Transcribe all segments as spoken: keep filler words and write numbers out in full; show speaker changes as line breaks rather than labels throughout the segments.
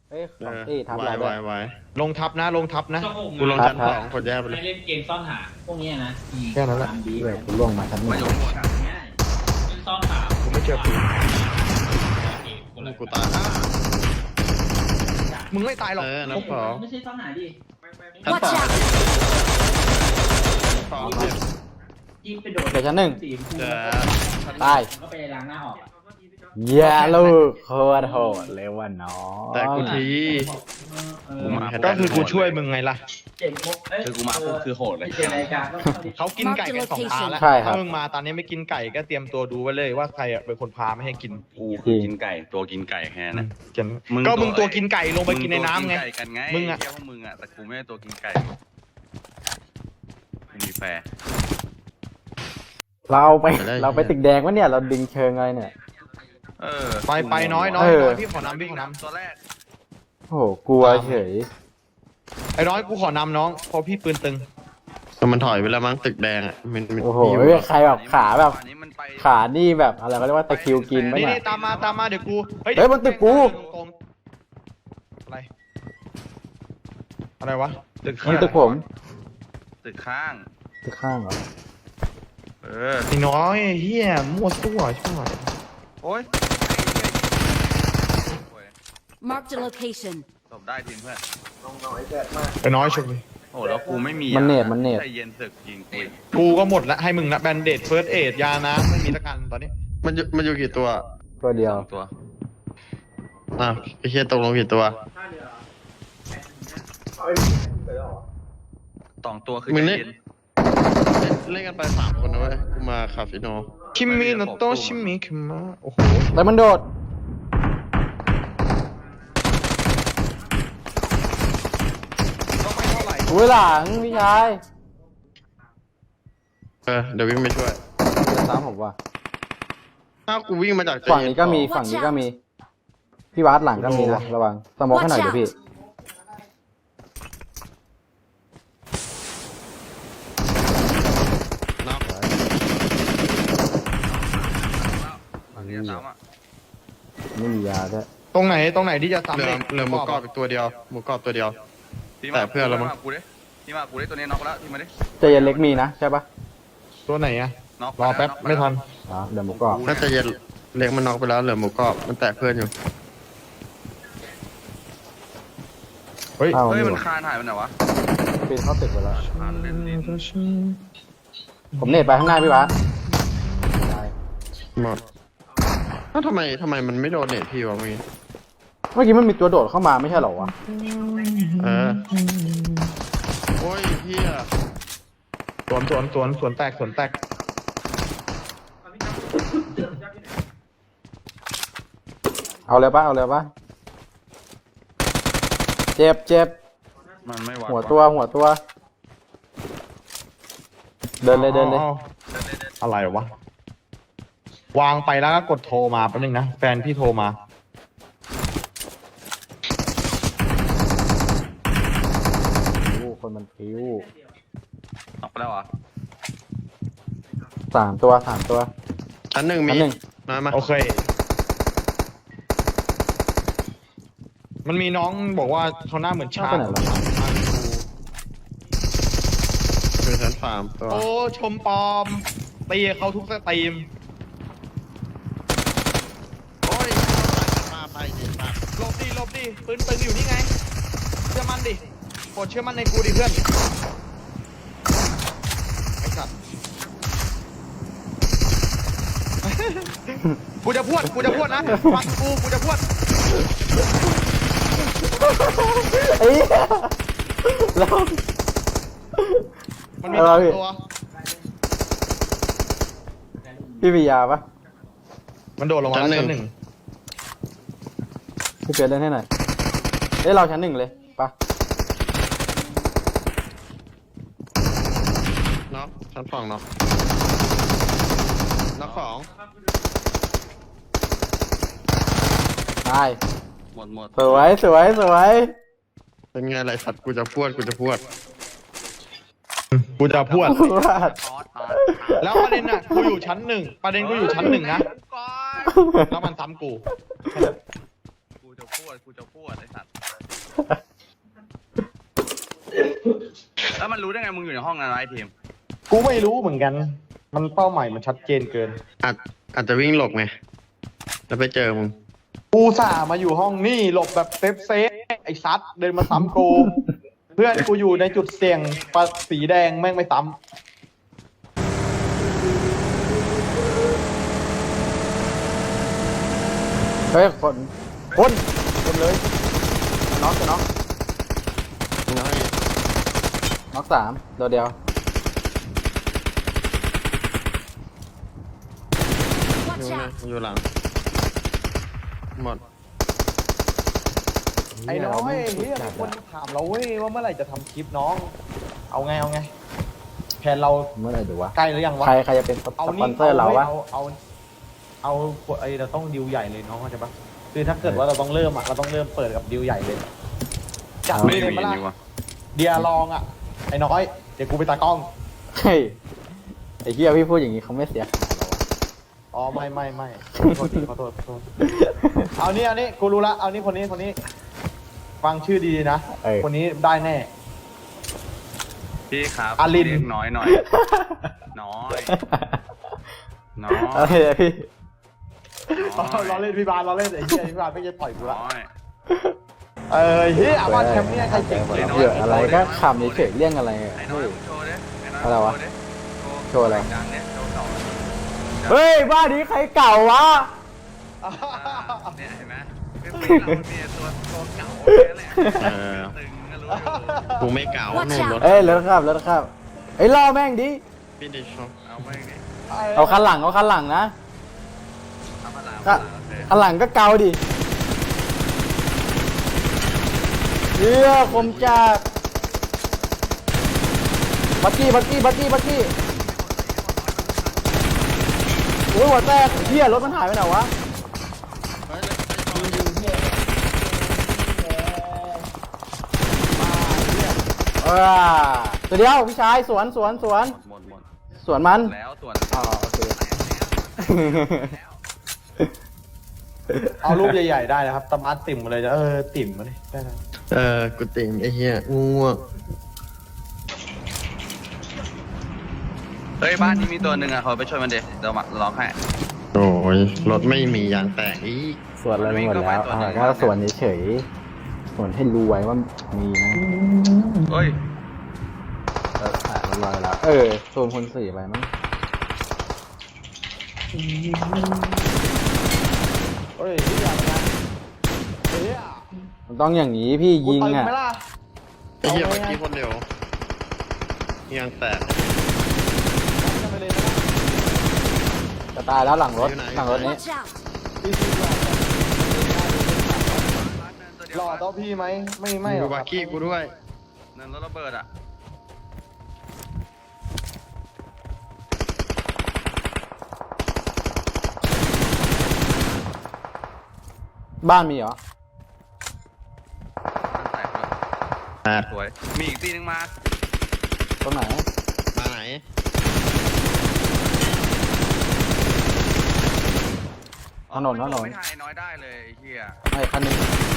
เอ้ยสองตีทับเราด้วย
ไว้
ลงทับนะลงทับนะ
กูลงชั้นสองกดแยกไปเลย
ไม่เล่นเกมซ่อนหาพวกนี้นะ
แค่นั้นแหละ
เว้ยกูล่วงมาชั้นหนึ่ง
ง่ายเล่นซ่อนหา
กูไม่เจอปืน
กูตาย
มึงไม่ตายหรอก
เออนับสอง
ไม่ใช่ซ่อนหาดิ
ชั้น
Watch
สอง
out!
สองเจ็บ
ยิงไปโดน
เดี๋ยวชั้นหนึ่ง
สีชมพู
เจอ
ตาย
ก็ไปล้างหน้าออก
เย้ลูกโคตรโหดเลยว่ะน้อง
แต่กูที
กูมา
ก็คือกูช่วยมึงไงล่ะ
เจ๋งมุกเอ้ย
คือกูมาปุ๊บคือโหดเลย
เจ๋งรายการก็เข้าดิ
เขากินไก่กันสองตาแล้ว
ใช่ครับ
ถ้ามึงมาตอนนี้ไม่กินไก่ก็เตรียมตัวดูไว้เลยว่าใครอะเป็นคนพาไม่ให้กิน
กูคือกินไก่ตัวกินไก่แค่นั้น
จะ
มึง
ก็มึง
ตั
ตัว
ว
กินไก่ลงไปกินในน้ำไง
มึตัวกิไก่กันไง
มึงอะ
เที่ยวพวกมึงอะแต่กูไม่ได้ตัวกินไก่ไม่มีแฟร์
เราไปเราไปตึกแดงวะเนี่ยเราดึงเชิงอะไรเนี่ย
เออ
ไปไปน้อยน้อย
เออ
น้อยพี่ขอนำพี่ขอนำ
ตัวแรก
โอ้โหกลัวเฉย
ไอ้น้อยกูขอนำน้องเพราะพี่ปืนตึง
แต่มันถอยไปแล้วมั้งตึกแดงอ่ะมันมัน
โอ้โห
มีอยู่
เรียกใครแบบขาแบบ
อันนี้มันไป
ขานี่แบบอะไรเขาเรียกว่าตะคริวกินไหม
นี่
เนี่
นี่
ย
ตามมาตามมาเดี๋ยวกู
เฮ้ยมันตึกกู
ตรงๆอะไรอะไรวะตึก
มันตึกผม
ตึกข้าง
ตึกข้างเหรอ
เออ
ไอ้น้อยเฮียมั่วตัวใช่ไหม
โอ้ย
Marked a location.
ตบได้ทีมเพื่อน
ไอ้น้อยชมเลย
โอ้แล้วกูไม่มี
มันเนตมันเนต
ใจเย็นศึกยิงกู
กูก็หมดละให้มึงละแบนเดดเฟิร์สเอดยานะไม่มีละกันตอนนี้
มันอยู่มันอยู่กี่ตัว
ตัวเดียว
สองตัว
อ่ะไอ้เหี้ยตกลงกี่ตัว
สองตัวคือ
มึง
ใจ
เล่น
เย็น
เล่นเล่นกันไปสามคนนะเว้ยกูมาคาฟิโน
คิมมิโนโตะชิมิคิมะโอ้โห
แล้วมันโดด
ก็ไม่เท่าไหร่
อุ้ยหลังพี่ชาย
เออเดี๋ยววิ่งไปช่วย
จะซ้ำผมว่ะ
ถ้ากูวิ่งมาจากใจ
ฝั่ง
เย็
นี้ก็มี
ต่อ
ฝั่งนี้ก็มี พี่วัดหลังก็มีนะระวังสมองให้หน่อยเดี๋ยวพี่
น็อก
ฝั่งนี้ซ้ำอ่ะ
ไม่มียาด้วย
ตรงไหนตรงไหนที่จะซ้ำ
เหลือ
เลย
เหลือหมูกรอบอีกตัวเดียวหมูกรอบตัวเดียว
พี่
แต่เพื่อนเรามั้ง
มากูดิพี่มากูดิตัวนี้น็อกแล้วพี่มาดิ
ใจเย็นเล็กมีนะใช่ปะ
ตัวไหนอะ
น็อก
รอแป๊บไม่ทัน
อ๋อเดี๋ยวหมูกรอบ
น่าจะเย็นเล็กมันน็อกไปแล้วเหลือหมูกรอบมันแตะเพื่อนอยู่
เฮ้ย
เข้า
เฮ้ย
นี่
มัน
ว่ะ
คานหายไปไหนวะ
ปีนเข้าตึกไปแล้ว
คานเล่นลิ้น
ผมเน็ตไปข้างหน้าพี่วัดตาย
หมดถ้าวทำไมทำไมมันไม่โดนเน็ตพี่วะเมื่อกี้
เมื่อกี้มันมีตัวโดดเข้ามาไม่ใช่เหรอวะ
เออโอ้ยเฮีย
สวนสวนสวนสวนแตกสวนแตก
เอาเลยปะเอาเลยปะเจ็บเจ็บ
มันไม่ไหว
หัวตัวหัวตัว เดินเลยเดินเลย
อ๋ออะไรวะวางไปแล้วก็กดโทรมาแป๊บนึงนะแฟนพี่โทรมา
โอ้คนมันพิ้ว
น็อกไปแล้วเหรอ
สามตัวสามตัว
ชั้นหนึ่งมี
ชั้นหนึ่ง
มามา
โอเค มันมีน้องบอกว่าเขาหน้าเหมือนช้าง
ไปไหนแล้ว
คือชั้นฟาร์มตัว
โอ้ชมปลอมตีเขาทุกสตรีม
โอ้ยมาไปดิมา
หลบดิหลบดิปืนปืนอยู่นี่ไงเชื่อมันดิโปรดเชื่อมันในกูดิเพื่อนไอ้สัตว์ กูจะพวดกูจะพวดนะฟังกูกูจะพวด
เอ้ยแล้ว
มันมีสองตัว
พี่มียาปะ
มันโดดลงมาแล้วชั้นหนึ่ง
พี่เปียเล่นให้หน่อยเอ้ยเราชั้นหนึ่งเลยปะ
น็อกชั้นสองน็อกน็อกสอง
ตาย
หมดหมด
สวยสวยสวย
เป็นไงไรสัตว์กูจะพวดกูจะพวด
กูจะพวด
ว่าด
ทอดตาย
แล้วประเด็นน่ะกูอยู่ชั้นหนึ่งประเด็นกูอยู่ชั้นหนึ่งนะแล้วมันซ้ำกู
กูจะพูดกูจะพูดไอ้สัตว์แล้วมันรู้ได้ไงมึงอยู่ในห้องนั้นวะไอ้ทีม
กูไม่รู้เหมือนกัน มันเป้าหมายมันชัดเจนเกิน
อาจอาจจะวิ่งหลบไงแล้วไปเจอมึง
กูส่าห์มาอยู่ห้องนี่หลบแบบเซฟเซฟไอ้ซัดเดินมาซ้ำกู เพื่อนกูอยู่ในจุดเสี่ยงปะสีแดงแม่งไม่ซ้
เฮ้ยคนคนคนเลยน็อกจะน็อก
มึงเอาให้
น็อกสามตัวเดียว
Watch
อยู่นะ
out!
อยู่หลังหมด
ำไอ้น้อยเฮียมีคนถามเราเว้ยว่าเมื่อไหร่จะทำคลิปน้อง เอาไงเอาไงแผนเรา
เมื่อไหร่ดูวะ
ใกล้หรือยังวะ
ใครใครจะเป็นส
เอา
ป
นี่
อนเซอร์เราวะ
เอาเอาเอาเอาไอ้เราต้องดิวใหญ่เลยน้องเข้าใจปะคือถ้าเกิดว่าเราต้องเริ่มอ่ะเราต้องเริ่มเปิดกับดิวใหญ่เลยจัด
ไม่
เลย
มี
ปะล่ะ
นี่วะ
เดียลองอ่ะไอ้น้อยเดี๋ยวกูไปตากล้อง
เฮ้ยไอ้เหี้ยพี่พูดอย่างนี้เขาไม่เสียหายหรอวะ
อ๋อไม่ไม่ไม่ขอโทษทีขอโทษขอโทษเอานี่เอานี่กูรู้ละเอานี่คนนี้คนนี้ ฟังชื่อดีๆนะ
เออ
คนนี้ได้แน่
พี่ครับ
อาริน
เรียกน้อยหน่อย น้อย น้อย
อะไรอะพี่
เราเล่นพี่บาลเราเล่นไอ้เหี้ยพี่บาลไม่จะต่อยกูละ
น้อย
เออเฮ้ยอาว่าแชมป์เนี่ยใครเก่ง
เ
เก่ง
ยอะอะไรก็ขำเฉยๆเรื่องอะไรอะ
ไอ้น้อ
เฮ้
ย
ย
มึงโชว์ดิไอ้น้อย
อะไรวะ
โชว์ดิ
โชว์อะไร
ดังเนี่ยโชว์สอง
เฮ้ยบ้านนี้ใครเก่าวะ
อ่าเนี่ยเห็นไหมคือปีเราเนี่ยตัวตัวเก่าเนี่ยแหละ
เออ
ตึงก็รู้อยู่
กูไม่เก่า
Watch
นู่นรถ
out
เอ้ยรถครับรถครับเอ้ยล่อแม่งดิ
พี่ดิชอบ
เอาไปดิ
เอาคันหลังเอาคันหลังนะ
เอามาลา
ก็
โอเค
คันหลังก็เกาดิเฮียคมจัดบักกี้บักกี้บักกี้บักกี้โอ้ยหัวแตกเฮียรถมันหายไปไหนวะ
เฮ้ยเลย
เออตัวเดียวพี่ชายสวนสวนสวน
หมดหมด
สวนมัน
แล้วส่วน
อ๋อโอเค
เอารูปใหญ่ๆได้นะครับตะมัดติ่มมาเลยจะเออติ่มมาเลยได้นะ
เออกูติ่งไอ้เหี้ยง่วง
เฮ้ยบ้านนี้มีตัวหนึ่งอ่ะเขาไปช่วยมันเดี๋ยวเดี๋ยวมาล็อกให้
ๆโอ้ยรถไม่มียางแตกอีก
สวนอะไรหมดแล้วอ่าก็สวนเฉยๆสวนให้รู้ไว้ว่ามีนะ
เฮ้ย
เอออ่ะเรียบร้อยแล้ว เออโซนคนสี่ไปมั้ง
เฮ้ยพี่อยากนะเฮ้ย
มันต้องอย่างนี้พี่
กู
ยิง
ตึง
อ่ะ
ไหมล่ะ
ไอ้เหี้ยเมื่อกี้คนเดียวยางแตก
เอาไปเลยนะ
จะตายแล้วหลังรถ
อยู่ไหน
หลังรถนี้
Watch out!
พี่ซีหล่อ
ตัวเดียว
หล่อต่อพี่ไหมไม่ไม่หร
ดู
อก
บา
ครับ
ร์กี้กูด้วย
เนินรถระเบิดอ่ะ
บ้านมีเหรอ
แตกเลย
แตก
สวย มีอีกตีหนึงมา
ตรงไหน
มาไหน
ถนนถนน
ไม่ทายน้อยได้เลยไอ้เหี้ย
ไอ้คันหนึง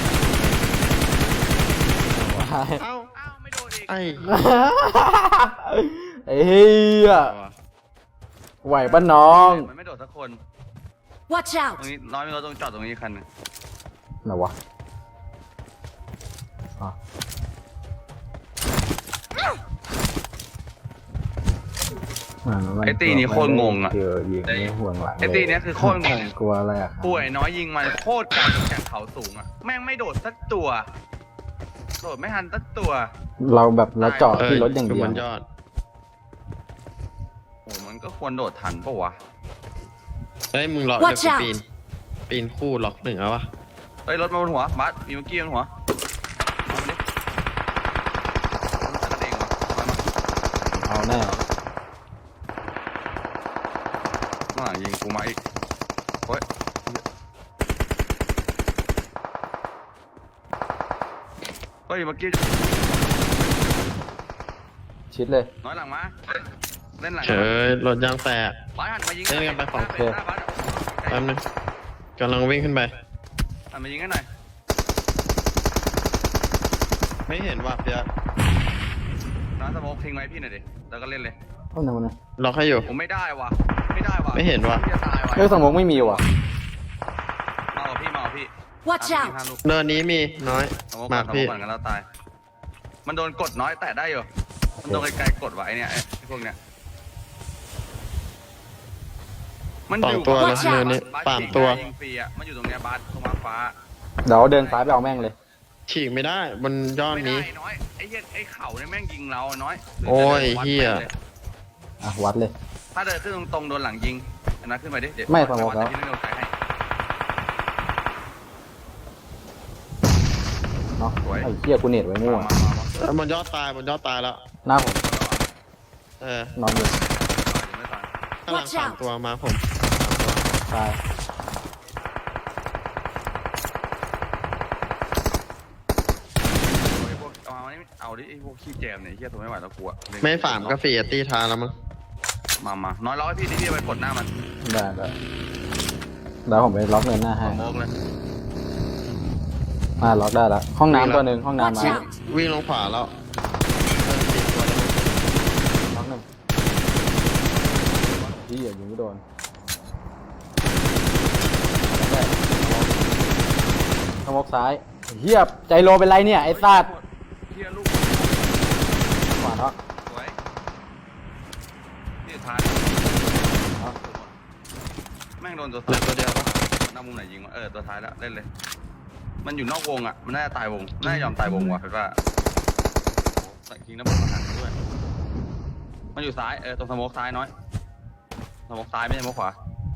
เอ้า
อ้าวไม่โดนอีก
ไอ้
ไอ้เฮียไหวปะน้อง
มันไม่โดดสักคน
Watch
ตรง
out!
นี้น้อยมีรถตรงจอดตรงนี้คันหนึง
ไหนวะอ่ะอ่ะมั
ไอ้ตีนี้โคตรงงอ่ะ
เจอยิงไม่ห่วงหลัง
ไอ้ตีเนี้ยคือโคตรงง
กลัวอะไรอ่ะ
ป่วยน้อยยิงมันโคตรไกลจากเขาสูงอ่ะ แม่งไม่โดดสักตัว โดดไม่ทันสักตัว
เราแบบเราเจาะที่รถอย่าง
คื
เดียว
มันยอด
โอ้มันก็ควรโดดทันปะวะ
เฮ้ยมึงรอเดี๋ยว
Watch
กู
out
ปีน ปีนคู่ล็อกหนึ่งเอาวะ
เฮ้ยรถมาบนหัวบัสมีเมื่อกี้บนหัวเอามาดิมันจะกระเด้งวะมามา
เอาแน่
ข้างหลังยิงกูมาอีกเฮ้ยเฮ้ยเมื่อกี้
ชิดเลย
น้อยหลังมาเล่นหลัง
เฉยรถยางแตก
บัสหันมายิง
เล่นกันไปฝั่ง
หน้าบัส
แป๊บนึงกำลังวิ่งขึ้นไป
หันมายิงกันหน่อย
กำลังวิ่งขึ้นไป
เฮ้ย
แป๊บนึงกำลังวิ่งขึ้นไป
เฮ้ย
กำลังวิ่งขึ้นไป
หันมายิงกันหน่อย
กำลังวิ่งขึ้นไป
เฮ้ย
ไม่เห็นว่ะเปียก
น้ำสโมกทิ้งไว้พี่หน่อยดิแล้วก็เล่นเลย
เอาหนึ่งวันนะ
ล็อกให้อยู่
ผมไม่ได้ว่ะไม่ได้ว่ะ
ไม่เห็นว่ะ
พี่จะตายว่ะ
เอ้ยสมองไม่มีว่ะ
มาเอาพี่มาเอาพี่
Watch
ห้า
out!
ลูก
เนินนี้มีน้อย
สโมก
มา
ก่อนสโม
พี่
กก่อนกันแล้วตาย มันโดนกดน้อยแต่ได้อยู่มันโดนไกลๆกดไว้เนี่ยไอ้พวกเนี้ยมัน
ส
อ
อง
ยู่
ตัวเลย
Watch out
เนินนี้
บส
สามตัว
ยิงฟรีอ่ะมันอยู่ตรงเนี้ยบาสตรงมาฟ้า
เดี๋ยวเดินซ้ายไปเอาแม่งเลย
ฉีกไม่ได้บนยอด
ไม่ได้
นี้
น้อยไอ้เหี้ยไอ้เข่าเนี่ยแม่งยิงเราน้อย
โอ้ย
วัด
เหี้ย
แม่งล
อ่ะวัดเลย
ถ้าเดินขึ้นตรงๆโดนหลังยิงอันนั้นขึ้นไปดิเดี๋ยว
ไม่สโมกแล้ว
ที่ไม่โดนใครให้
เนาะ
สวย
ไอ้เหี้ยกูเน็ตไว้มั่ว
มามามา
เออบนยอดตายบนยอดตายแล้ว
หน้าผม
เออน
อนอยู่
ไม่ตาย
ข้างหลัง
Watch
สาม
out
ตัวมาผมสามตัว
ตาย
ไอ้พวกเอามานี่เอาดิไอ้พวกขี้แจมเนี่ยไอ้เหี้ยตัวไม่ไหวแล้วกลัว
ไม่ฝามก็ฟรีอะตีทานแล้วมั้ง
มามาน้อยร้อยพี่ดิพี่ไปกดหน้ามัน
ได้ได้เดี๋ยวผมไปล็อกเนินหน้าให้
สโมกเลย
มาล็อกได้แล้วห้องน้ำตัวหนึ่งห้องน้ำ
Watch
มา
out!
วิ่งลงขวาแล้วเดินตีตัวแล้ว
ล็อกหนึ่งพี่อย่ายิงไม่โดนสมกซ้ายเฮียใจโลเป็นไรเนี่ยไอ้ซาด
เหี้ยลูก
ขวาเนาะ
สวยที่สุดท้ายแม่งโดนตัว
เหลือตัวเดียวปะ
หน้ามุมไหนยิงวะเออตัวท้ายแล้วเล่นเลย มันอยู่นอกวงอ่ะมันน่าจะตายวงน่าจะยอมตายวงว่ะเห็นป่ะใส่ยิงน้ำมันมาหันด้วย มันอยู่ซ้ายเออตรงสโมกซ้ายน้อยสโมกซ้ายไม่ใช่สโมกขวา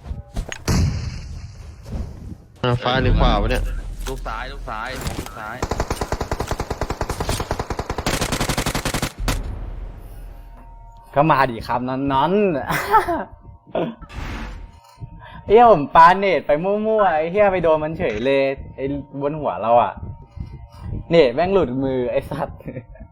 อ่ะฟ้าหรือขวาวะเนี่ย
ลูกซ้ายลูกซ้ายสโมกลูกซ้าย
ก็มาดิครับนอนนอนเฮียผมปาเนตไปมั่วๆไอ้เฮียไปโดนมันเฉยเลยไอ้บนหัวเราอ่ะ เนตแม่งหลุดมือไอ้สัตว์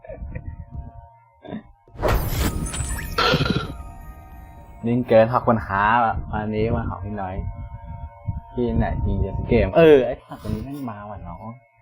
นิ่งเกินหักปัญหาอ่ะวันนี้มาของพี่น้อยพี่ไหนจริงจะเกมเออไอ้สัตว์วันนี้แม่งมาว่ะน้อง